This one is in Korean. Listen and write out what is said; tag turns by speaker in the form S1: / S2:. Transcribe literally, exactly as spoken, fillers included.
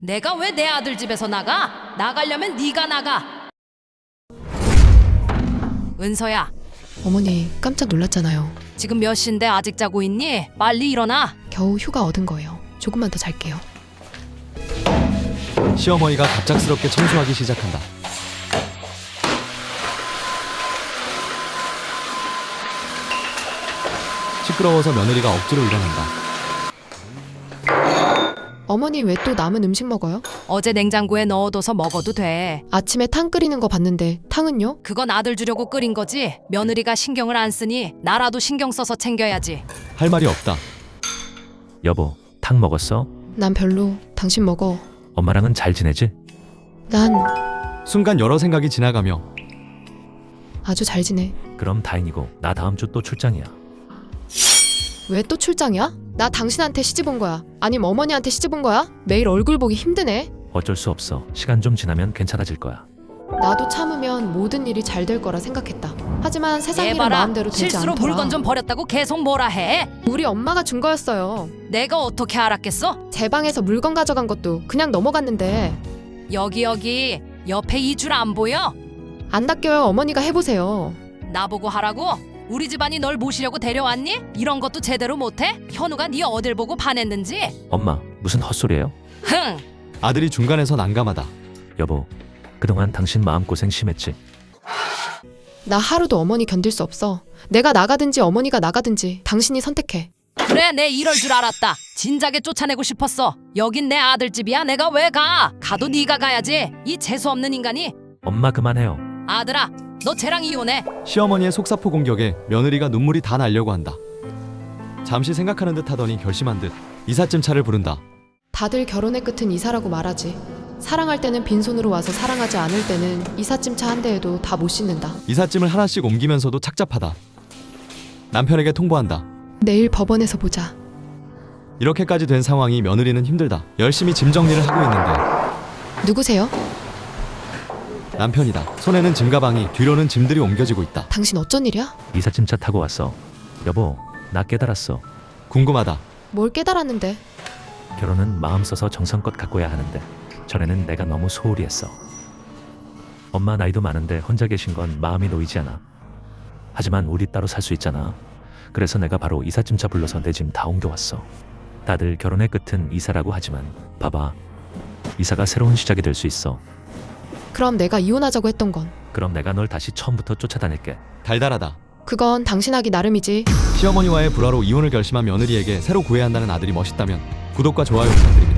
S1: 내가 왜 내 아들 집에서 나가? 나가려면 네가 나가. 은서야,
S2: 어머니 깜짝 놀랐잖아요.
S1: 지금 몇 시인데 아직 자고 있니? 빨리 일어나.
S2: 겨우 휴가 얻은 거예요. 조금만 더 잘게요.
S3: 시어머니가 갑작스럽게 청소하기 시작한다. 시끄러워서 며느리가 억지로 일어난다.
S2: 어머니 왜 또 남은 음식 먹어요?
S1: 어제 냉장고에 넣어둬서 먹어도 돼.
S2: 아침에 탕 끓이는 거 봤는데 탕은요?
S1: 그건 아들 주려고 끓인 거지. 며느리가 신경을 안 쓰니 나라도 신경 써서 챙겨야지.
S3: 할 말이 없다.
S4: 여보, 탕 먹었어?
S2: 난 별로. 당신 먹어.
S4: 엄마랑은 잘 지내지?
S2: 난
S3: 순간 여러 생각이 지나가며
S2: 아주 잘 지내.
S4: 그럼 다행이고 나 다음 주 또 출장이야.
S2: 왜 또 출장이야? 나 당신한테 시집 온 거야. 아님 어머니한테 시집 온 거야? 매일 얼굴 보기 힘드네.
S4: 어쩔 수 없어. 시간 좀 지나면 괜찮아질 거야.
S2: 나도 참으면 모든 일이 잘 될 거라 생각했다. 하지만 세상
S1: 얘
S2: 일은
S1: 봐라.
S2: 마음대로 되지
S1: 실수로
S2: 않더라.
S1: 물건 좀 버렸다고 계속 뭐라 해.
S2: 우리 엄마가 준 거였어요.
S1: 내가 어떻게 알았겠어?
S2: 제 방에서 물건 가져간 것도 그냥 넘어갔는데
S1: 여기 여기 옆에 이 줄 안 보여?
S2: 안 닦여요. 어머니가 해보세요.
S1: 나보고 하라고? 우리 집안이 널 모시려고 데려왔니? 이런 것도 제대로 못해? 현우가 네 어딜 보고 반했는지?
S4: 엄마, 무슨 헛소리예요?
S1: 흥!
S3: 아들이 중간에서 난감하다.
S4: 여보, 그동안 당신 마음고생 심했지?
S2: 나 하루도 어머니 견딜 수 없어. 내가 나가든지 어머니가 나가든지 당신이 선택해.
S1: 그래, 내 이럴 줄 알았다. 진작에 쫓아내고 싶었어. 여긴 내 아들 집이야. 내가 왜 가? 가도 네가 가야지. 이 재수없는 인간이.
S4: 엄마 그만해요.
S1: 아들아, 너 쟤랑 이혼해.
S3: 시어머니의 속사포 공격에 며느리가 눈물이 다 나려고 한다. 잠시 생각하는 듯 하더니 결심한 듯 이삿짐 차를 부른다.
S2: 다들 결혼의 끝은 이사라고 말하지. 사랑할 때는 빈손으로 와서 사랑하지 않을 때는 이삿짐차 한 대에도 다 못 싣는다.
S3: 이삿짐을 하나씩 옮기면서도 착잡하다. 남편에게 통보한다.
S2: 내일 법원에서 보자.
S3: 이렇게까지 된 상황이 며느리는 힘들다. 열심히 짐 정리를 하고 있는데
S2: 누구세요?
S3: 남편이다. 손에는 짐가방이, 뒤로는 짐들이 옮겨지고 있다.
S2: 당신 어쩐 일이야?
S4: 이삿짐차 타고 왔어. 여보, 나 깨달았어.
S3: 궁금하다.
S2: 뭘 깨달았는데?
S4: 결혼은 마음 써서 정성껏 가꿔야 하는데 전에는 내가 너무 소홀히 했어. 엄마 나이도 많은데 혼자 계신 건 마음이 놓이지 않아. 하지만 우리 따로 살 수 있잖아. 그래서 내가 바로 이삿짐차 불러서 내 짐 다 옮겨왔어. 다들 결혼의 끝은 이사라고 하지만 봐봐. 이사가 새로운 시작이 될 수 있어.
S2: 그럼 내가 이혼하자고 했던 건?
S4: 그럼 내가 널 다시 처음부터 쫓아다닐게.
S3: 달달하다.
S2: 그건 당신 하기 나름이지.
S3: 시어머니와의 불화로 이혼을 결심한 며느리에게 새로 구애한다는 아들이 멋있다면 구독과 좋아요 부탁드립니다.